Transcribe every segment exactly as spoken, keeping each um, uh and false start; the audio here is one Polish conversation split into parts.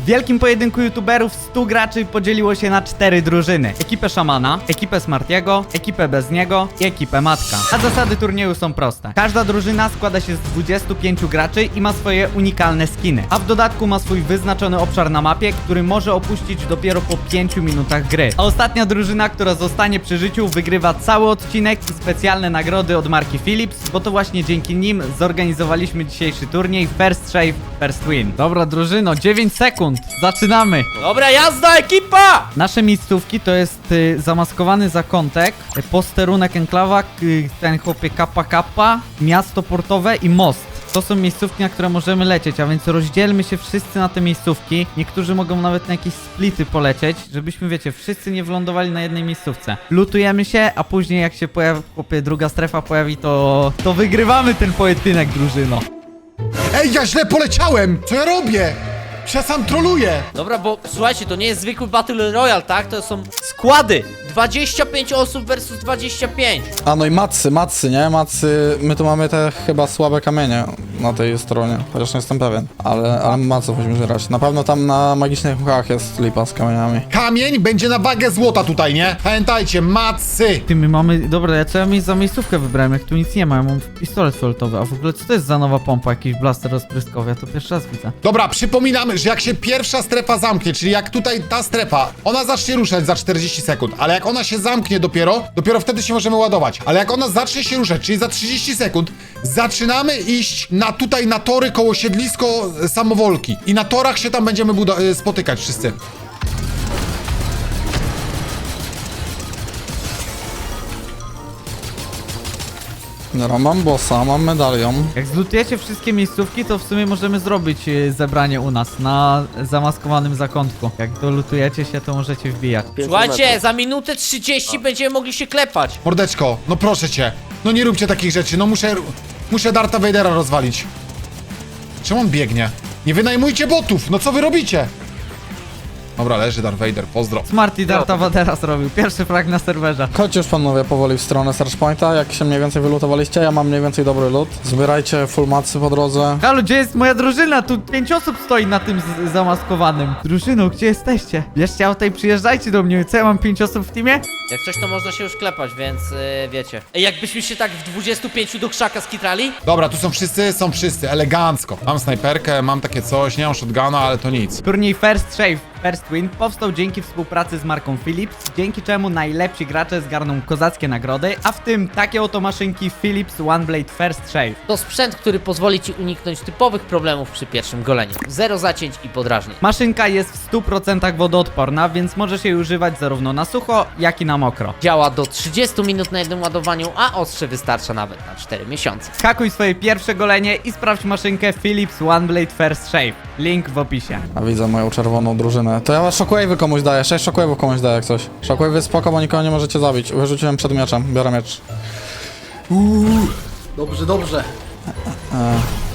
W wielkim pojedynku youtuberów stu graczy podzieliło się na cztery drużyny. Ekipę Szamana, ekipę Smartiego, ekipę bez niego i ekipę Matka. A zasady turnieju są proste. Każda drużyna składa się z dwudziestu pięciu graczy i ma swoje unikalne skiny. A w dodatku ma swój wyznaczony obszar na mapie, który może opuścić dopiero po pięciu minutach gry. A ostatnia drużyna, która zostanie przy życiu, wygrywa cały odcinek i specjalne nagrody od marki Philips, bo to właśnie dzięki nim zorganizowaliśmy dzisiejszy turniej First Shave, First Win. Dobra drużyno, dziewięć sekund, zaczynamy! Dobra, jazda, ekipa! Nasze miejscówki to jest y, zamaskowany zakątek, y, posterunek enklawa, y, ten chłopie kappa kappa, miasto portowe i most. To są miejscówki, na które możemy lecieć, a więc rozdzielmy się wszyscy na te miejscówki. Niektórzy mogą nawet na jakieś splity polecieć, żebyśmy, wiecie, wszyscy nie wylądowali na jednej miejscówce. Lutujemy się, a później jak się pojawi, chłopie, druga strefa pojawi, to, to wygrywamy ten pojedynek, drużyno. Ej, ja źle poleciałem! Co ja robię? Ja sam troluję! Dobra, bo słuchajcie, to nie jest zwykły Battle Royale, tak? To są składy. dwadzieścia pięć osób versus dwadzieścia pięć. A no i macy, macy, nie? Macy, my tu mamy te chyba słabe kamienie na tej stronie, chociaż nie jestem pewien. Ale, ale maców musimy grać. Na pewno tam na magicznych mchach jest lipa z kamieniami. Kamień będzie na wagę złota tutaj, nie? Pamiętajcie, macy! Ty, my mamy... Dobra, ja co ja mi za miejscówkę wybrałem, jak tu nic nie ma, ja mam pistolet fioletowy, a w ogóle co to jest za nowa pompa, jakiś blaster rozpryskowy, ja to pierwszy raz widzę. Dobra, przypominamy, że jak się pierwsza strefa zamknie, czyli jak tutaj ta strefa, ona zacznie ruszać za czterdzieści sekund, ale jak ona się zamknie dopiero, dopiero wtedy się możemy ładować. Ale jak ona zacznie się ruszać, czyli za trzydzieści sekund, zaczynamy iść na tutaj na tory koło siedlisko e, samowolki. I na torach się tam będziemy budo- e, spotykać wszyscy. Dobra, mam bossa, mam medalion. Jak zlutujecie wszystkie miejscówki, to w sumie możemy zrobić y, zebranie u nas na zamaskowanym zakątku. Jak dolutujecie się, to możecie wbijać. Słuchajcie, za minutę trzydzieści będziemy mogli się klepać. Mordeczko, no proszę cię, no nie róbcie takich rzeczy, no muszę, muszę Darta Vadera rozwalić. Czemu on biegnie? Nie wynajmujcie botów, no co wy robicie? Dobra, leży Darth Vader, pozdro. Smarty Darta Vadera zrobił. Pierwszy frag na serwerze. Chodźcie już panowie powoli w stronę Search Pointa, jak się mniej więcej wylutowaliście, ja mam mniej więcej dobry loot. Zbierajcie full macy po drodze. Halo, gdzie jest moja drużyna? Tu pięć osób stoi na tym z- zamaskowanym. Drużyno, gdzie jesteście? Bierzcie auto i przyjeżdżajcie do mnie. Co, ja mam pięć osób w teamie? Jak coś, to można się już klepać, więc yy, wiecie. Ej, jakbyśmy się tak w dwudziestu pięciu do krzaka skitrali? Dobra, tu są wszyscy, są wszyscy, elegancko. Mam snajperkę, mam takie coś, nie mam shotguna, ale to nic. Turniej First Shave, First Win powstał dzięki współpracy z marką Philips, dzięki czemu najlepsi gracze zgarną kozackie nagrody, a w tym takie oto maszynki Philips One Blade First Shave. To sprzęt, który pozwoli ci uniknąć typowych problemów przy pierwszym goleniu. Zero zacięć i podrażnień. Maszynka jest w stu procentach wodoodporna, więc może się jej używać zarówno na sucho, jak i na mokro. Działa do trzydziestu minut na jednym ładowaniu, a ostrze wystarcza nawet na cztery miesiące. Hakuj swoje pierwsze golenie i sprawdź maszynkę Philips One Blade First Shave. Link w opisie. A widzę moją czerwoną drużynę. To ja shockwave'y komuś daję, sześć shockwave'ów komuś daję jak coś. Shockwave'y spoko, bo nikogo nie możecie zabić. Wyrzuciłem przed mieczem, biorę miecz. Uuu, dobrze, dobrze. E.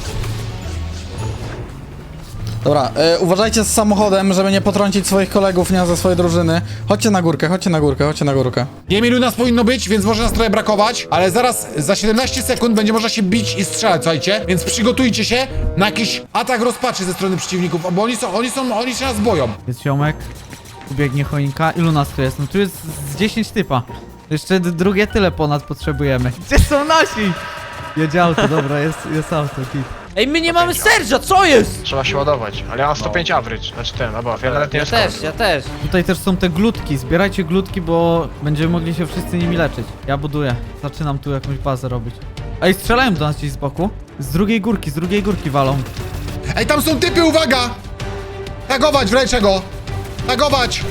Dobra, e, uważajcie z samochodem, żeby nie potrącić swoich kolegów, nie ze swojej drużyny. Chodźcie na górkę, chodźcie na górkę, chodźcie na górkę. Nie wiem ilu nas powinno być, więc może nas trochę brakować, ale zaraz za siedemnaście sekund będzie można się bić i strzelać, słuchajcie. Więc przygotujcie się na jakiś atak rozpaczy ze strony przeciwników, bo oni są, oni są, oni się nas boją. Jest ziomek. Tu biegnie choinka. Ilu nas tu jest? No tu jest z dziesięć typa. Jeszcze d- drugie tyle ponad potrzebujemy. Gdzie są nasi? Jedzie auto, dobra, jest, jest auto, kit. Ej, my nie mamy Serge'a, co jest? Trzeba się ładować, ale ja mam sto pięć average, znaczy ten, albo wieloletni Ja też, ja też. Tutaj też są te glutki, zbierajcie glutki, bo będziemy mogli się wszyscy nimi leczyć. Ja buduję, zaczynam tu jakąś bazę robić. Ej, strzelają do nas gdzieś z boku. Z drugiej górki, z drugiej górki walą. Ej, tam są typy, uwaga! Tagować, wleczę go! Tagować!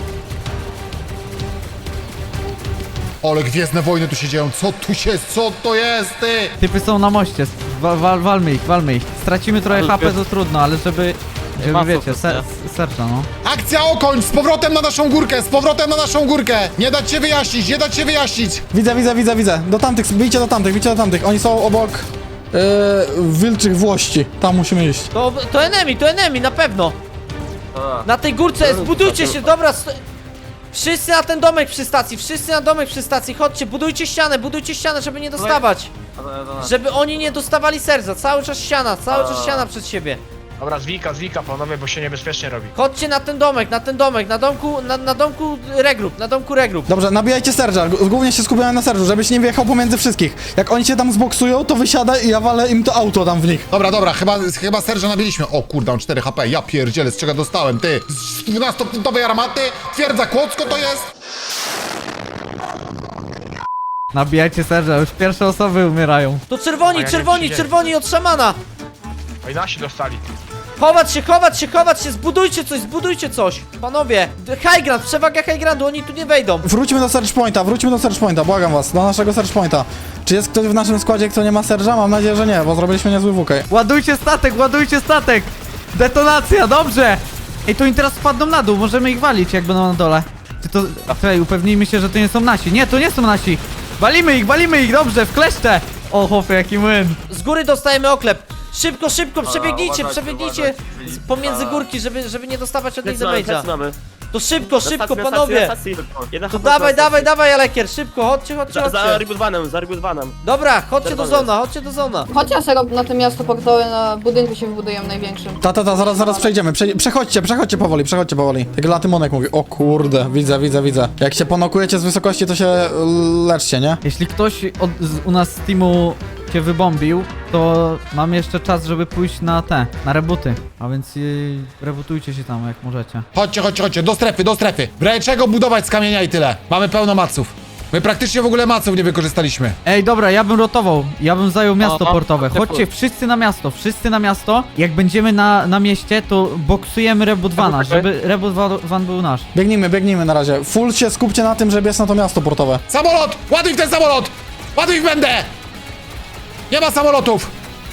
Ole, Gwiezdne Wojny tu się dzieją, co tu się, co to jest, ty? Typy są na moście, wa wal walmy ich, walmy ich. Stracimy trochę H P, to trudno, ale żeby... Żeby wiecie, ser serca, no. Akcja Okoń, z powrotem na naszą górkę, z powrotem na naszą górkę! Nie dać się wyjaśnić, nie dać się wyjaśnić! Widzę, widzę, widzę, widzę. Do tamtych, bijcie do tamtych, bijcie do tamtych. Oni są obok yy, wilczych włości. Tam musimy iść. To, to enemy, to enemy, na pewno. Na tej górce, zbudujcie się, dobra. sto- Wszyscy na ten domek przy stacji, wszyscy na domek przy stacji, chodźcie, budujcie ścianę, budujcie ścianę, żeby nie dostawać. Żeby oni nie dostawali serca, cały czas ściana, cały czas ściana przed siebie. Dobra, zwika, zwika, panowie, bo się niebezpiecznie robi. Chodźcie na ten domek, na ten domek, na domku, na, na domku regroup, na domku regroup. Dobrze, nabijajcie Serge'a, G- głównie się skupiamy na Serge'u, żebyś nie wjechał pomiędzy wszystkich. Jak oni cię tam zboksują, to wysiadaj i ja walę im to auto tam w nich. Dobra, dobra, chyba, chyba Serża nabiliśmy. O kurde, on cztery H P, ja pierdzielę, z czego dostałem, ty. Z dwunastopunktowej armaty, twierdza Kłodzko to jest? Nabijajcie serce, już pierwsze osoby umierają. To czerwoni, A ja nie czerwoni, przyjdzie. czerwoni od szamana. No i nasi dostali. Chować się, chować się, chować się, zbudujcie coś, zbudujcie coś. Panowie, high ground, przewaga high groundu, oni tu nie wejdą. Wróćmy do Search Pointa, wróćmy do Search Pointa, błagam was, do naszego Search Pointa. Czy jest ktoś w naszym składzie, kto nie ma Serge'a? Mam nadzieję, że nie, bo zrobiliśmy niezły W K. Ładujcie statek, ładujcie statek! Detonacja, dobrze! Ej, to oni teraz spadną na dół, możemy ich walić, jak będą na dole. Czy to... Czekaj, upewnijmy się, że to nie są nasi. Nie, to nie są nasi! Walimy ich, walimy ich, dobrze, w kleszcze! O, chłopie, jaki młyn! Z góry dostajemy oklep. Szybko, szybko, przebiegnijcie, uważajcie, przebiegnijcie uważajcie. z- pomiędzy górki, żeby, żeby nie dostawać od nich Plecy mamy, damage'a. plecy mamy. To szybko, szybko, Na stacji, panowie! na stacji, na stacji. Jedna To H P na dawaj, stacji. dawaj, dawaj, Alekier, szybko, chodźcie, chodźcie, Za, za chodźcie. rebootowanym, za rebootowanym. Dobra, chodźcie do Czerwony zona, chodźcie do zona. Chodźcie sobie na to miasto portowe, na budynku się wybudujemy największym. Ta, ta, ta, zaraz, zaraz przejdziemy, Przej przechodźcie, przechodźcie powoli, przechodźcie powoli. Jak Latymonek mówi, o kurde, widzę, widzę, widzę. Jak się ponokujecie z wysokości, to się y, leczcie, nie? Jeśli ktoś od, z, u nas z teamu cię wybombił, to mamy jeszcze czas, żeby pójść na te, na rebooty. A więc yy, rebutujcie się tam, jak możecie. Chodźcie, chodźcie, chodźcie, do strefy, do strefy. W razie czego budować z kamienia i tyle. Mamy pełno maców. My praktycznie w ogóle maców nie wykorzystaliśmy. Ej, dobra, ja bym rotował. Ja bym zajął miasto Aha, portowe. ty Chodźcie wszyscy na miasto, wszyscy na miasto. Jak będziemy na, na mieście, to boksujemy Rebudwana, żeby Rebudwan był nasz. Biegnijmy, biegnijmy na razie. Full się skupcie na tym, żeby jest na to miasto portowe. Samolot! Ładuj w ten samolot! Ładuj w będę! Nie ma samolotów!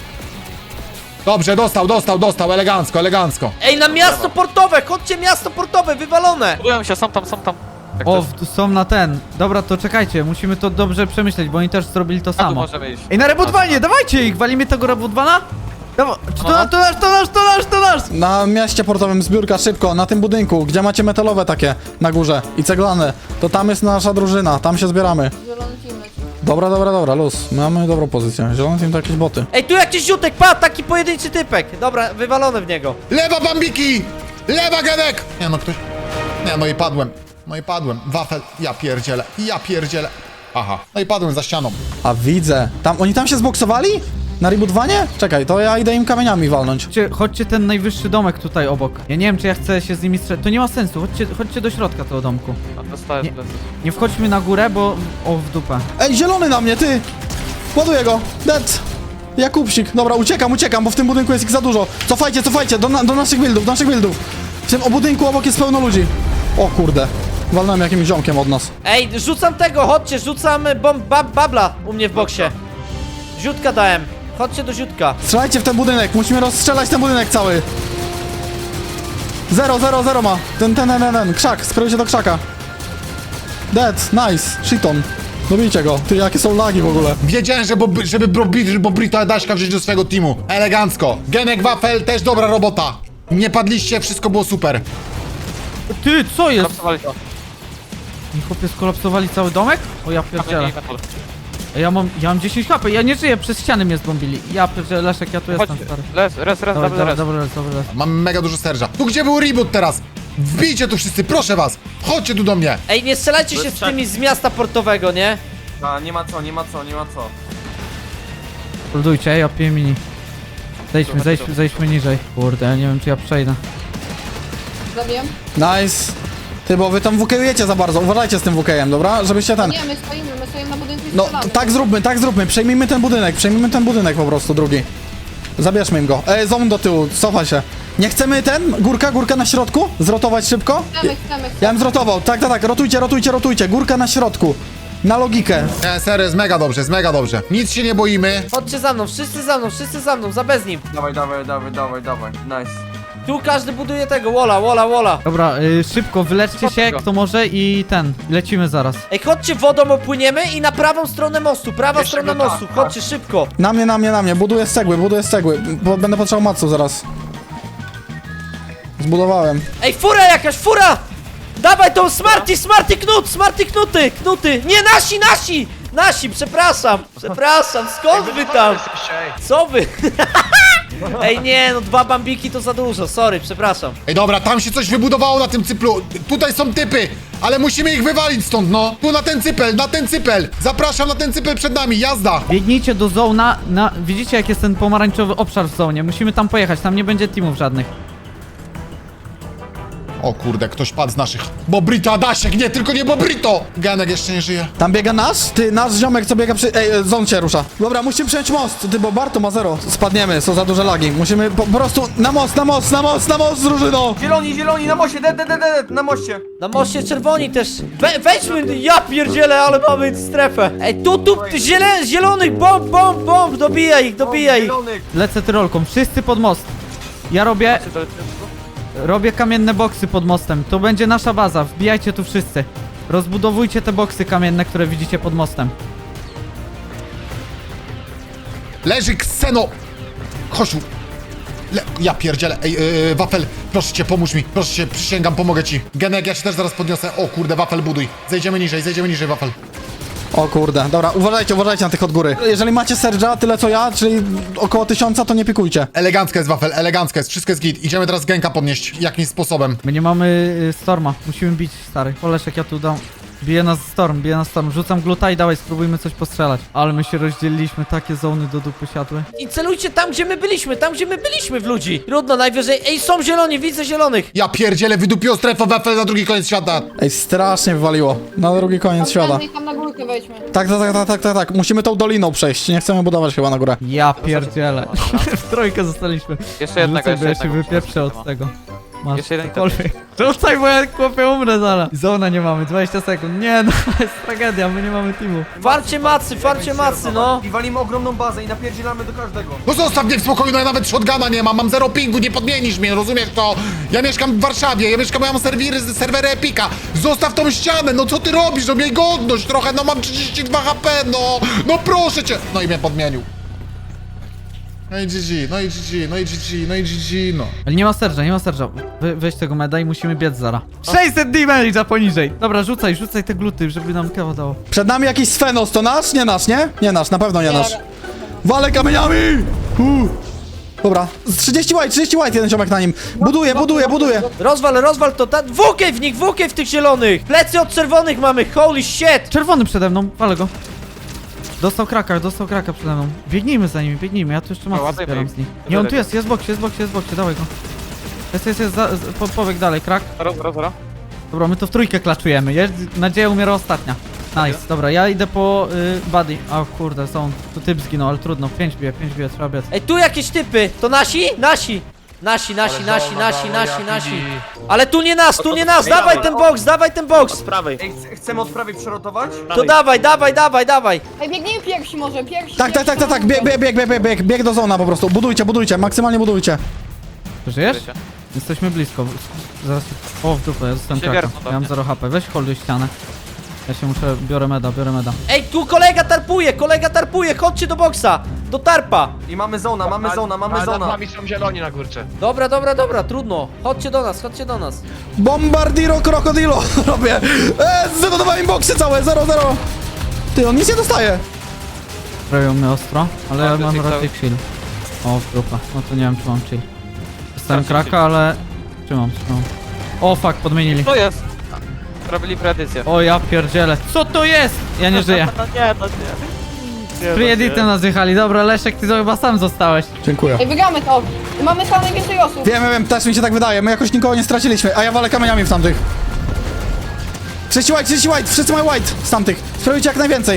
Dobrze, dostał, dostał, dostał, elegancko, elegancko. Ej, na miasto portowe, chodźcie miasto portowe, wywalone. Budują się, są tam, są tam. O, w- są na ten. Dobra, to czekajcie, musimy to dobrze przemyśleć, bo oni też zrobili to samo. możemy iść. Ej, na Rebudwanie, dawajcie ich! Walimy tego Rebudwana? Dawa- Czy to, nasz, to nasz, to nasz, to nasz, to nasz! Na mieście portowym zbiórka, szybko, na tym budynku, gdzie macie metalowe takie na górze i ceglane, to tam jest nasza drużyna, tam się zbieramy. Zielony team leci. Dobra, dobra, dobra, luz. Mamy dobrą pozycję. Zielony team to jakieś boty. Ej, tu jakiś ziutek, pa, taki pojedynczy typek. Dobra, wywalone w niego. Lewa bambiki! Lewa Genek! Nie no, ktoś... Nie no i padłem. No i padłem. Wafel. Ja pierdzielę. Ja pierdzielę. Aha. No i padłem za ścianą. A widzę. Tam, oni tam się zboksowali? Na rebootowanie? Czekaj, to ja idę im kamieniami walnąć. Chodźcie, chodźcie ten najwyższy domek tutaj obok. Ja nie wiem, czy ja chcę się z nimi strzelać. To nie ma sensu, chodźcie, chodźcie do środka tego domku. Dostałem Nie, nie wchodźmy na górę, bo... O, w dupę. Ej, zielony na mnie, ty! Ładuję go! Dead! Jakubsik. Dobra, uciekam, uciekam, bo w tym budynku jest ich za dużo. Cofajcie, cofajcie, do, na, do naszych buildów, do naszych buildów. W tym o budynku obok jest pełno ludzi. O kurde. Walnąłem jakimś ziomkiem od nas. Ej, rzucam tego, chodźcie, rzucam bomb, bab, babla u mnie w boksie. Ziutka dałem, chodźcie do ziutka. Strzelajcie w ten budynek, musimy rozstrzelać ten budynek cały. Zero, zero, zero ma. Ten, ten, ten, ten, ten. Krzak, skrył się do krzaka. Dead, nice, shiton. Dobijcie go. Ty, jakie są lagi w ogóle. Wiedziałem, że Bob, żeby Bobrito Bobrito Adaśka wziąć do swojego teamu. Elegancko. Genek Wafel też dobra robota. Nie padliście, wszystko było super. Ty, co jest? Kapsowali to. Mi chłopie skolapsowali cały domek? O, ja pierdzielę. Ej, Ja mam, ja mam dziesięć H P, ja nie żyję, przez ściany mnie zbombili. Ja pierdzielę, Leszek, ja tu Chodź, jestem, stary. res, res, res, Dobra, dobra, dobra, res. dobra, dobra, dobra. Mam mega dużo serża. Tu gdzie był reboot teraz? Wbijcie tu wszyscy, proszę was. Chodźcie tu do mnie. Ej, nie strzelajcie się z tymi z miasta portowego, nie? A, nie ma co, nie ma co, nie ma co. Holdujcie, ja piję mini. Zejdźmy, zejdźmy, zejdźmy niżej. Kurde, ja nie wiem, czy ja przejdę. Zabiję? Nice. Ty, bo wy tam wukejujecie za bardzo. Uważajcie z tym wukejem, dobra? Żebyście ten... Nie, my stoimy, my stoimy na budynku i No, strzelamy. tak zróbmy, tak zróbmy. Przejmijmy ten budynek, przejmijmy ten budynek po prostu, drugi. Zabierzmy im go. Ej, zon do tyłu, cofa się. Nie chcemy ten? Górka, górka na środku? Zrotować szybko? Chcemy, chcemy, Ja chcemy. bym zrotował. Tak, tak, tak. Rotujcie, rotujcie, rotujcie. Górka na środku. Na logikę. Nie, serio, jest mega dobrze, jest mega dobrze. Nic się nie boimy. Chodźcie za mną, wszyscy za mną, wszyscy za mną, za bez nim. Dawaj, dawaj, dawaj, dawaj, dawaj. Nice. Tu każdy buduje tego, wola, wola, wola. Dobra, y, szybko, wyleczcie się, Szybko. kto może i ten, lecimy zaraz. Ej, chodźcie wodą opłyniemy i na prawą stronę mostu, prawa Jeszcze strona go tak, mostu, tak. chodźcie szybko. Na mnie, na mnie, na mnie. Buduję z cegły, buduję z cegły. Bo będę potrzebował macu zaraz. Zbudowałem. Ej, fura jakaś, fura! Dawaj tą Smarty, Smarty knut, Smarty knuty, knuty. Nie, nasi, nasi! Nasi, przepraszam, przepraszam, skąd wy tam? Jesteście, ej. Co wy? Ej, nie, no dwa bambiki to za dużo, sorry, przepraszam. Ej, dobra, tam się coś wybudowało na tym cyplu. Tutaj są typy, ale musimy ich wywalić stąd, no. Tu na ten cypel, na ten cypel. Zapraszam na ten cypel przed nami, jazda. Biegnijcie do zona, na... Widzicie jak jest ten pomarańczowy obszar w zonie? Musimy tam pojechać, tam nie będzie teamów żadnych. O kurde, ktoś padł z naszych. Bobrito, Adasiek, nie, tylko nie Bobrito. Ganek jeszcze nie żyje. Tam biega nasz? Ty, nasz ziomek co biega przy... Ej, e, zon się rusza. Dobra, musimy przejąć most. Ty, bo Barto ma zero. Spadniemy, są za duże lagi. Musimy po, po prostu na most, na most, na most, na most, drużyno! Zieloni, zieloni, na moście, de, de, de, de, na moście. Na moście czerwoni też. We, wejdźmy, ja pierdzielę, ale mamy strefę. Ej, tu, tu, ziele, zielonych, bomb, bomb, bomb, dobijaj ich, dobijaj ich. Zielonych. Lecę tyrolką, wszyscy pod most. Ja robię... Robię kamienne boksy pod mostem. To będzie nasza baza, wbijajcie tu wszyscy. Rozbudowujcie te boksy kamienne, które widzicie pod mostem. Leży Kseno. Chodź tu. Le... Ja pierdzielę. Ej, yy, Wafel, proszę cię, pomóż mi. Proszę cię, przysięgam, pomogę ci. Genek, ja cię też zaraz podniosę. O kurde, Wafel, buduj. Zejdziemy niżej, zejdziemy niżej, Wafel. O kurde, dobra, uważajcie, uważajcie na tych od góry. Jeżeli macie Serge'a, tyle co ja, czyli około tysiąca, to nie pikujcie. Elegancka jest, Wafel, elegancka jest. Wszystko jest git. Idziemy teraz Genka podnieść. Jakimś sposobem. My nie mamy y, Storma, musimy bić, stary. Oleszek, ja tu dam. Bije nas Storm, bije nas Storm. Rzucam gluta i dawaj, spróbujmy coś postrzelać. Ale my się rozdzieliliśmy, takie zony do dupy siadły. I celujcie tam, gdzie my byliśmy, tam, gdzie my byliśmy w ludzi. Trudno, najwyżej. Ej, są zieloni, widzę zielonych. Ja pierdzielę, wydupiło strefę Wafel na drugi koniec świata. Ej, strasznie wywaliło. Na drugi koniec świata. I tam na górkę wejdźmy. Tak, tak, tak, tak, tak, tak, tak. Musimy tą doliną przejść. Nie chcemy budować chyba na górę. Ja pierdzielę. W trójkę zostaliśmy. Jeszcze jednego, Rzucaj, bo jeszcze ja się jednego. wypieprzę od tego. Masz Jeszcze jeden cokolwiek. Rzucaj, bo ja chłopie umrę zaraz. Zona nie mamy, dwadzieścia sekund. Nie no, jest tragedia, my nie mamy teamu. Farcie macy, farcie macy, no. I walimy ogromną bazę i napierdzielamy do każdego. No zostaw mnie w spokoju, no ja nawet shotguna nie mam. Mam zero pingu, nie podmienisz mnie, rozumiesz to? Ja mieszkam w Warszawie, ja mieszkam, ja mam serwery, serwery Epika. Zostaw tą ścianę, no co ty robisz? No miej godność trochę, no mam trzydzieści dwa H P, no. No proszę cię. No i mnie podmienił. No i G G, no i G G, no i G G, no i G G, no. Ale nie ma serża, nie ma serża. We, weź tego meda i musimy biec zara. sześćset damage'a poniżej. Dobra, rzucaj, rzucaj te gluty, żeby nam kawa dało. Przed nami jakiś Svenos, to nasz? Nie nasz, nie? Nie nasz, na pewno nie nasz. Walę kamieniami! Uh. Dobra, z trzydzieści white, trzydzieści white, jeden ziomek na nim. Buduje, buduje, buduje. Rozwal, rozwal to, ta... włókaj w nich, włókaj w tych zielonych. Plecy od czerwonych mamy, holy shit. Czerwony przede mną, walę go. Dostał kraka, dostał kraka przede mną. Biegnijmy za nimi, biegnijmy, ja tu jeszcze masę ładnie zbieram bieg. z nich. Nie, on tu jest, jest w boksie, jest w boksie, jest w boksie, dawaj go. Jest, jest, jest, za, z, po, pobieg dalej, krak. Zero, zero, zero. Dobra, my to w trójkę klaczujemy, jest, nadzieja umiera ostatnia. Nice, dobra, ja idę po y, buddy. O kurde, są, tu typ zginął, ale trudno, pięć bije, pięć bije, trzeba biec. Ej, tu jakieś typy, to nasi? Nasi. Nasi, nasi, Ale nasi, zona, nasi, zona, nasi, jaki nasi. bi- Ale tu nie nas, tu nie nas, dawaj ten boks, dawaj ten boks. Z prawej. Ej, ch- chcemy od prawej przerotować? To dawaj, dawaj, dawaj, dawaj. Ej, biegnijmy pierwsi może, pierwsi. Tak, tak, tak, tak, tak, pierwsi, bieg, bieg, bieg, bieg, bieg, bieg do zona po prostu. Budujcie, budujcie, maksymalnie budujcie. Żyjesz? Jesteśmy blisko. Zaraz. O, w dupę, ja zostałem Się kraka. wiercą do Ja mam mnie. zero H P. Weź holduj ścianę. Ja się muszę, biorę meda, biorę meda. Ej, tu kolega tarpuje, kolega tarpuje, chodźcie do boksa. Do tarpa. I mamy zona, mamy zona, mamy Ale nad zona. nami są zieloni na górce. Dobra, dobra, dobra, trudno. Chodźcie do nas, chodźcie do nas. Bombardiro krokodilo robię. Eee, zdedodowałem boksy całe, zero, zero. Ty, on nic nie dostaje. Prawią mnie ostro, ale ja Mam mam dosyć raczej chill. O, w dupę. No to nie wiem, czy mam chill. Dostałem Strasznie kraka, ale... Trzymam, trzymam. O, fuck, podmienili. To jest. Robili preedycję. O, ja pierdzielę. Co to jest? Ja nie żyję. No nie, to nie. Nie, Preeditem nas jechali. Dobra, Leszek, ty to chyba sam zostałeś. Dziękuję. Ej, wygramy to. Mamy tam najwięcej osób. Wiem, wiem, też mi się tak wydaje. My jakoś nikogo nie straciliśmy, a ja walę kamieniami w tamtych. trzydzieści white, trzydzieści white, wszyscy mają white z tamtych. Spróbujcie jak najwięcej.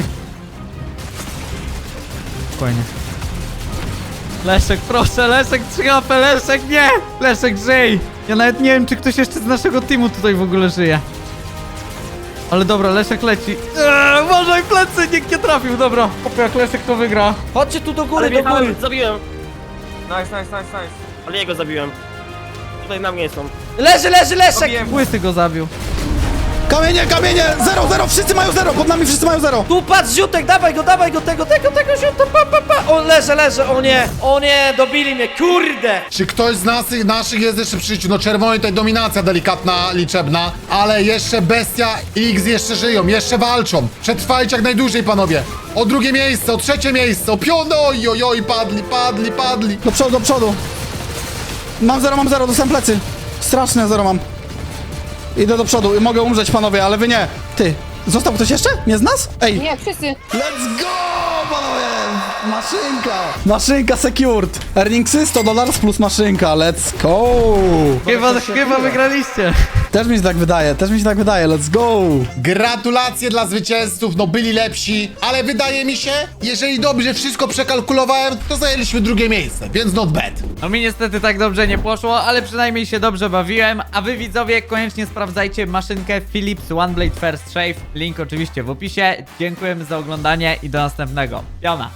Spokojnie. Leszek, proszę, Leszek, trzy H P, Leszek, nie! Leszek, żyj! Ja nawet nie wiem, czy ktoś jeszcze z naszego teamu tutaj w ogóle żyje. Ale dobra, Leszek leci. Eee, uważaj, plecy, nikt nie trafił, dobra. Hopie, jak Leszek to wygra. Chodźcie tu do góry, Ale do góry. wjechałem, zabiłem. Nice, nice, nice, nice. Ale jego zabiłem. Tutaj na mnie są. Leży, leży, Leszek. Wiem. Łysy go zabił. Kamienie, kamienie! Zero, zero! Wszyscy mają zero! Pod nami wszyscy mają zero! Tu patrz, ziutek, dawaj go, dawaj go, tego, tego, tego ziuta, pa, pa, pa. O, leżę, leżę, o nie, o nie, dobili mnie, kurde. Czy ktoś z nas, naszych jest jeszcze przy życiu? No czerwony tutaj dominacja delikatna, liczebna, ale jeszcze Bestia i X jeszcze żyją, jeszcze walczą. Przetrwajcie jak najdłużej, panowie. O drugie miejsce, o trzecie miejsce, o piąte, oj, oj, oj, padli, padli, padli. Do przodu, do przodu! Mam zero, mam zero, dostałem plecy! Straszne zero mam. Idę do przodu i mogę umrzeć, panowie, ale wy nie. Ty, został ktoś jeszcze? Nie z nas? Ej! Nie, wszyscy. Let's go, panowie! Maszynka! Maszynka secured! Earningsy sto dolarów plus maszynka, let's go! Chyba, chyba wygraliście. Też mi się tak wydaje, też mi się tak wydaje, let's go! Gratulacje dla zwycięzców, no byli lepsi, ale wydaje mi się, jeżeli dobrze wszystko przekalkulowałem, to zajęliśmy drugie miejsce, więc not bad. No mi niestety tak dobrze nie poszło, ale przynajmniej się dobrze bawiłem, a wy widzowie koniecznie sprawdzajcie maszynkę Philips OneBlade First Shave, link oczywiście w opisie. Dziękujemy za oglądanie i do następnego. Piona!